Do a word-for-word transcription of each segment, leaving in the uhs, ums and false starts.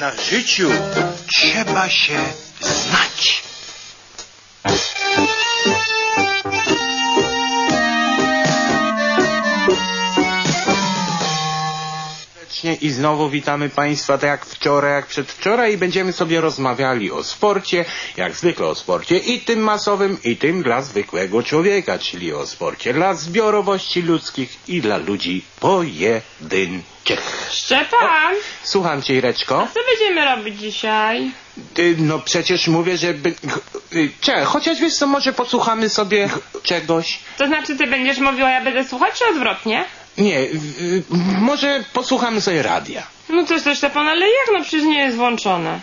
na życiu trzeba się znać. I znowu witamy Państwa tak jak wczoraj, jak przedwczoraj i będziemy sobie rozmawiali o sporcie, jak zwykle o sporcie i tym masowym, i tym dla zwykłego człowieka, czyli o sporcie dla zbiorowości ludzkich i dla ludzi pojedynczych. Szczepan! O, słucham Cię, Ireczko. Co będziemy robić dzisiaj? Ty, no przecież mówię, że... By... Czekaj, chociaż wiesz co, może posłuchamy sobie czegoś. To znaczy ty będziesz mówił, a ja będę słuchać, czy odwrotnie? Nie, y, y, może posłuchamy sobie radia. No coś to Szczepan, ale jak? No przecież nie jest włączone.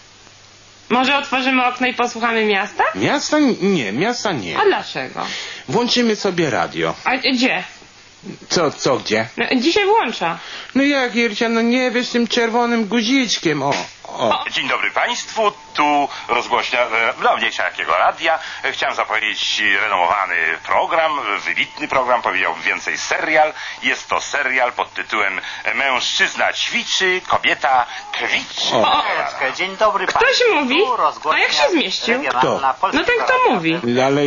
Może otworzymy okno i posłuchamy miasta? Miasta? Nie, miasta nie. A dlaczego? Włączymy sobie radio. A gdzie? Co, co, gdzie? No, dzisiaj włącza. No jak, Ircia, no nie wiesz, tym czerwonym guziczkiem, o, o. Dzień dobry Państwu, tu rozgłośnia no, mniejsza jakiego radia. Chciałem zapowiedzieć renomowany program, wybitny program, powiedziałbym więcej serial. Jest to serial pod tytułem Mężczyzna ćwiczy, kobieta kwiczy. O. Dzień dobry Ktoś Państwu. mówi? A jak się zmieścił? Kto? No ten kto mówi? Ale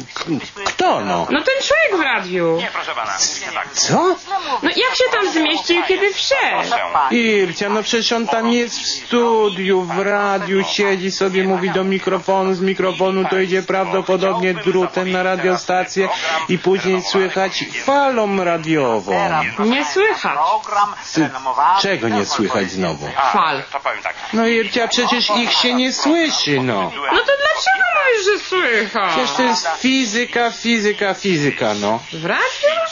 kto, no? No ten człowiek w radiu. Nie, proszę pana, mówi się tak. Co? No jak się tam zmieścił, kiedy wszedł? Ircia, no przecież on tam jest w studiu, w radiu, siedzi sobie, mówi do mikrofonu, z mikrofonu to idzie prawdopodobnie drutem na radiostację i później słychać falą radiową. Nie słychać. Ty, czego nie słychać znowu? Fal. To powiem tak. No Ircia, przecież ich się nie słyszy, no. No to dlaczego mówisz, że słychać? Przecież to jest fizyka, fizyka, fizyka, no. W radiu?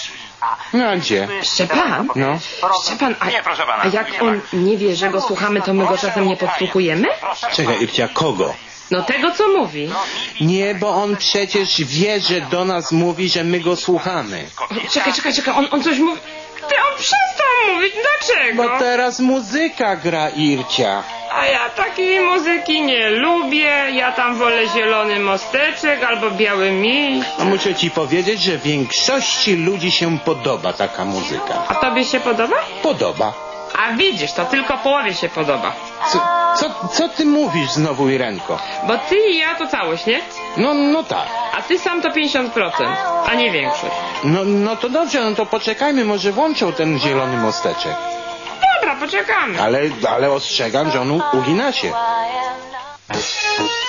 No a gdzie? Szczepan? No. Szczepan, a, Nie, proszę pana. a jak on nie wie, że go słuchamy, to my go czasem nie podsłuchujemy? Czekaj, Ircia, kogo? No tego, co mówi. Nie, bo on przecież wie, że do nas mówi, że my go słuchamy. Czekaj, czekaj, czekaj, on, on coś mówi. Ty, on przestał mówić, dlaczego? Bo teraz muzyka gra, Ircia. A ja takiej muzyki nie lubię, ja tam wolę zielony mosteczek albo biały miś. A muszę ci powiedzieć, że większości ludzi się podoba taka muzyka. A tobie się podoba? Podoba. A widzisz, to tylko połowie się podoba. Co, co, co ty mówisz znowu, Irenko? Bo ty i ja to całość, nie? No, no tak. A ty sam to pięćdziesiąt procent, a nie większość. No, no to dobrze, no to poczekajmy, może włączą ten zielony mosteczek. Dobra, poczekamy. Ale, ale ostrzegam, że on u- ugina się.